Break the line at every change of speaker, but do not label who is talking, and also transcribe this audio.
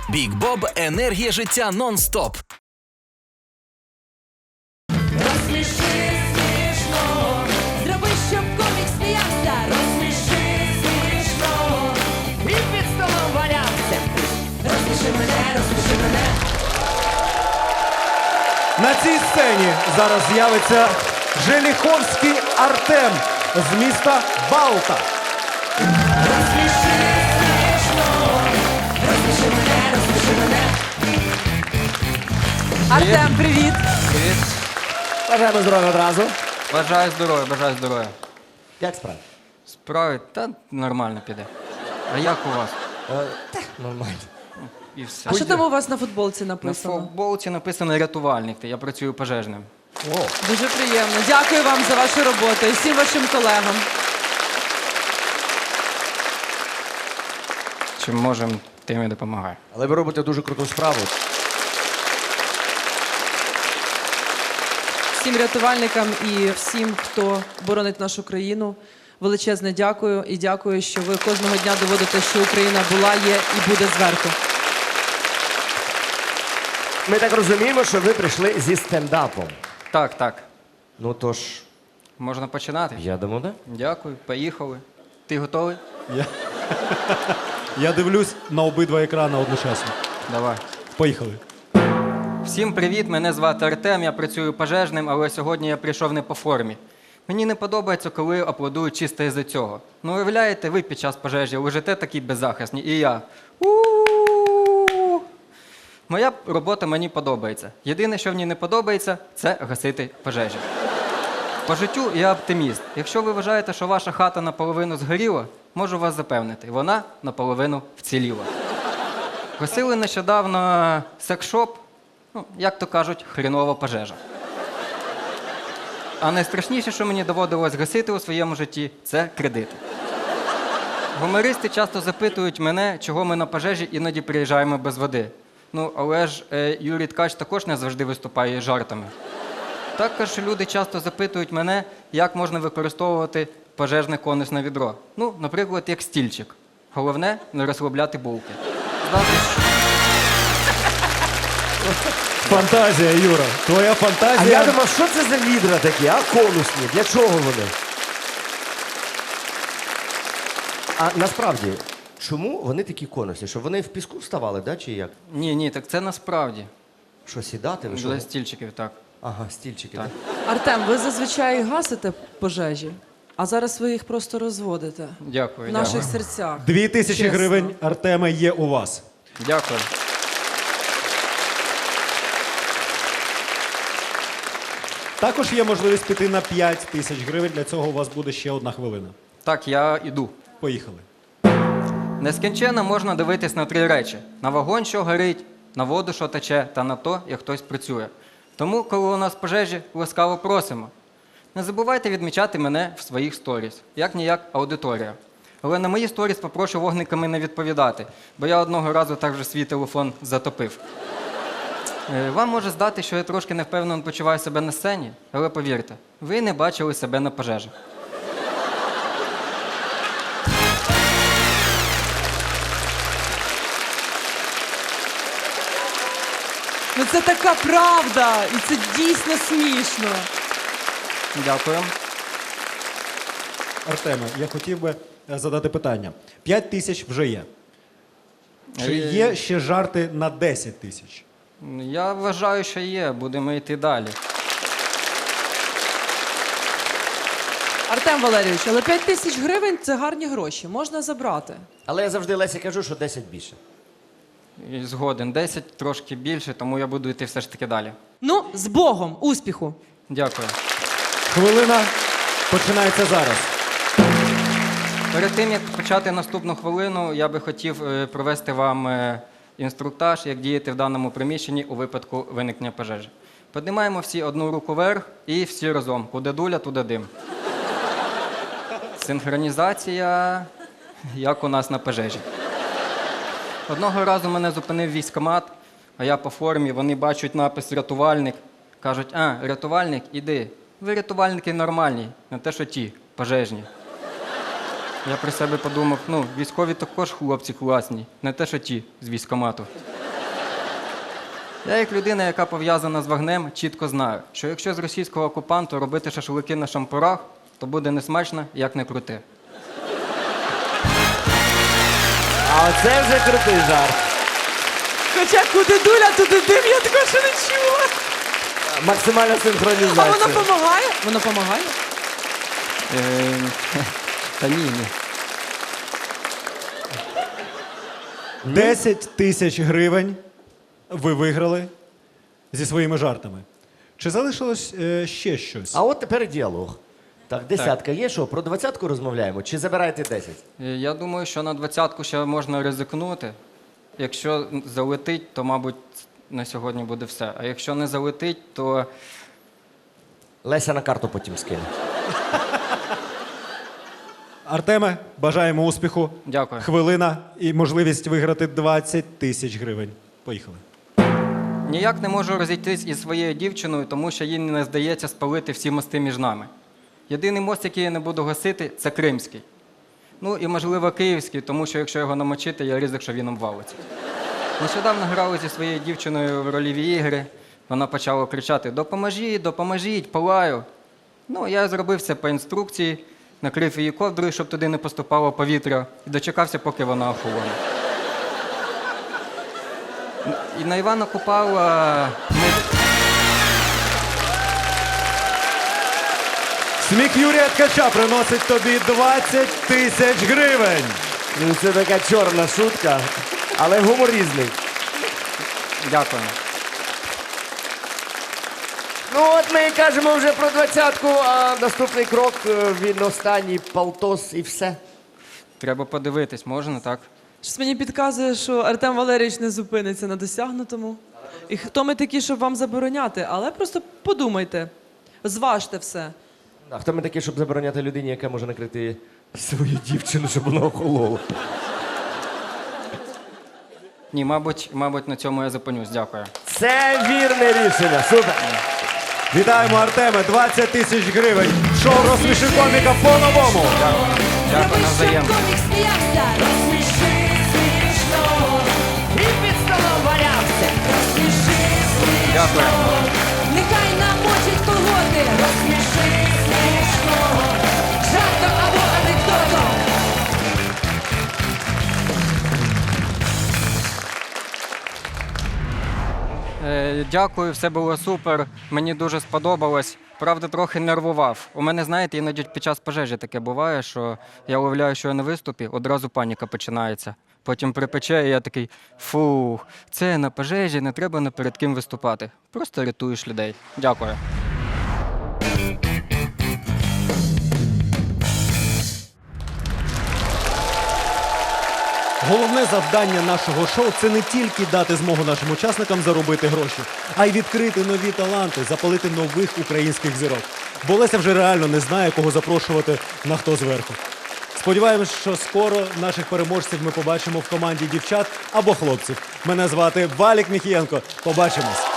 Бік Боб – енергія життя нон-стоп.
Розсміши смішно, зроби, щоб комік сміявся. Розсміши смішно, і під столом валявся. Розсміши мене.
На цій сцені зараз з'явиться Желіховський Артем з міста Балта.
Розсміши смішно, розсміши мене.
Артем, привіт!
Привіт.
Бажаємо здоров'я одразу.
Бажаю здоров'я.
Як справи?
Справи? Та нормально піде. А як у вас?
Нормально.
І все.
А що там у вас на футболці
На
написано?
футболці написано рятувальник. Я працюю пожежним.
Дуже приємно. Дякую вам за вашу роботу і всім вашим колегам.
Чим можемо, тим і допомагаю.
Але ви робите дуже круту справу.
Всім рятувальникам і всім, хто боронить нашу країну. Величезне дякую і дякую, що ви кожного дня доводите, що Україна була, є і буде зверху.
Ми так розуміємо, що ви прийшли зі стендапом.
Так.
Ну тож,
Можна починати?
я думаю, да?
Дякую, поїхали. Ти готовий?
Я дивлюсь на обидва екрани одночасно.
Давай.
Поїхали.
Всім привіт, мене звати Артем, я працюю пожежним, але сьогодні я прийшов не по формі. Мені не подобається, коли аплодують чисто із-за цього. Ну, уявляєте, ви під час пожежі лежите такі беззахисні, і я. У-у-у. Моя робота мені подобається. Єдине, що в ній не подобається, це гасити пожежі. По життю я оптиміст. Якщо ви вважаєте, що ваша хата наполовину згоріла, можу вас запевнити, вона наполовину вціліла. Гасили нещодавно секс-шоп, як то кажуть, хрінова пожежа. А найстрашніше, що мені доводилось гасити у своєму житті, це кредити. Гумористи часто запитують мене, чого ми на пожежі іноді приїжджаємо без води. Ну, але ж Юрій Ткач також не завжди виступає із жартами. Також люди часто запитують мене, як можна використовувати пожежне конусне відро. Ну, наприклад, як стільчик. Головне – не розслабляти булки.
Фантазія, Юра. Твоя
А
фантазія.
я думав, що це за відра такі, а конусні? Для чого вони? А насправді, чому вони такі конусні? Щоб вони в піску вставали, да, чи як?
Ні, так це насправді.
Що, сідати? Ви що?
Для стільчиків, так.
Ага, стільчики.
Так.
Да?
Артем, ви зазвичай гасите пожежі, а зараз ви їх просто розводите
Дякую,
в наших
дякую.
серцях.
2000
Чесно.
гривень, Артеме, є у вас.
Дякую.
Також є можливість піти на 5000 гривень. Для цього у вас буде ще 1 хвилина.
Так, я іду.
Поїхали.
Нескінченно можна дивитись на 3 речі: на вогонь, що горить, на воду, що тече, та на то, як хтось працює. Тому, коли у нас пожежі, ласкаво просимо. Не забувайте відмічати мене в своїх сторіс. Як-ніяк аудиторія. Але на мої сторіс попрошу вогниками не відповідати, бо я одного разу так же свій телефон затопив. Вам може здати, що я трошки невпевнено почуваю себе на сцені, але повірте, ви не бачили себе на пожежах.
Ну це така правда, і це дійсно смішно.
Дякую.
Артеме, я хотів би задати питання. 5000 вже є. Чи є ще жарти на 10 тисяч?
Я вважаю, що є. Будемо йти далі.
Артем Валерійович, але 5000 гривень – це гарні гроші, можна забрати.
Але я завжди Лесі кажу, що 10 більше.
І згоден. 10 трошки більше, тому я буду йти все ж таки далі.
Ну, з Богом, успіху!
Дякую.
Хвилина починається зараз.
Перед тим, як почати наступну хвилину, я би хотів провести вам інструктаж, як діяти в даному приміщенні у випадку виникнення пожежі. Піднімаємо всі одну руку вверх і всі разом. Куди дуля, туди дим. Синхронізація, як у нас на пожежі. Одного разу мене зупинив військкомат, а я по формі, вони бачать напис «Рятувальник». Кажуть: а, рятувальник, іди. Ви рятувальники нормальні, не те, що ті, пожежні. Я при себе подумав, військові також хлопці класні, не те, що ті з військкомату. Я, як людина, яка пов'язана з вогнем, чітко знаю, що якщо з російського окупанту робити шашлики на шампурах, то буде несмачно, як не крути.
А оце вже крутий жарт.
Хоча куди дуля, туди дим, я такого ще не чула.
Максимальна
А
синхронізація.
воно допомагає? Воно допомагає?
Та ні.
10 тисяч гривень ви виграли зі своїми жартами. Чи залишилось ще щось?
А от тепер діалог. Так, десятка є, що про 20-ку розмовляємо? Чи забираєте 10?
Я думаю, що на 20-ку ще можна ризикнути. Якщо залетить, то, мабуть, на сьогодні буде все. А якщо не залетить, то
Леся на карту потім скине.
Артеме, бажаємо успіху.
Дякую.
Хвилина і можливість виграти 20 тисяч гривень. Поїхали.
ніяк не можу розійтись із своєю дівчиною, тому що їй не здається спалити всі мости між нами. Єдиний мост, який я не буду гасити, це Кримський. Ну і, можливо, Київський, тому що якщо його намочити, я ризик, що він обвалиться. Нещодавно грали зі своєю дівчиною в рольові ігри. Вона почала кричати: «Допоможіть, допоможіть, палаю!» Ну, я зробив все по інструкції, накрив її ковдрою, щоб туди не поступало повітря, і дочекався, поки вона охолоне. І на Івана Купала ми...
Сміх Юрія Ткача приносить тобі 20 тисяч гривень.
Ну, це така чорна шутка, але гумор різний.
Дякую.
Ну от ми кажемо вже про 20-ку, а наступний крок, він останній, полтос і все.
Треба подивитись, можна, так?
Щось мені підказує, що Артем Валерійович не зупиниться на досягнутому. І хто ми такі, щоб вам забороняти? Але просто подумайте, зважте все.
А хто ми такі, щоб забороняти людині, яка може накрити свою дівчину, щоб вона охолола?
Ні, мабуть, на цьому я зупинюсь. Дякую.
Це вірне рішення. Супер.
Вітаємо, Артеме, 20 тисяч гривень. Шоу «Розсміши коміка» по-новому.
Дякую,
Зроби,
навзаєм.
щоб комік сміявся. Розсміши смішно. І під столом валявся. Розсміши смішно.
Дякую.
Нехай намочить колготи. Розсміши смішно. Жартом або анекдотом.
Дякую, все було супер. Мені дуже сподобалось. Правда, трохи нервував. У мене, знаєте, іноді під час пожежі таке буває, що я уявляю, що я на виступі, одразу паніка починається. Потім припече, і я такий: фух, це на пожежі, не треба ні перед ким виступати. Просто рятуєш людей. Дякую.
Головне завдання нашого шоу – це не тільки дати змогу нашим учасникам заробити гроші, а й відкрити нові таланти, запалити нових українських зірок. Бо Леся вже реально не знає, кого запрошувати на «Хто зверху». Сподіваємось, що скоро наших переможців ми побачимо в команді дівчат або хлопців. Мене звати Валік Міхієнко. Побачимось!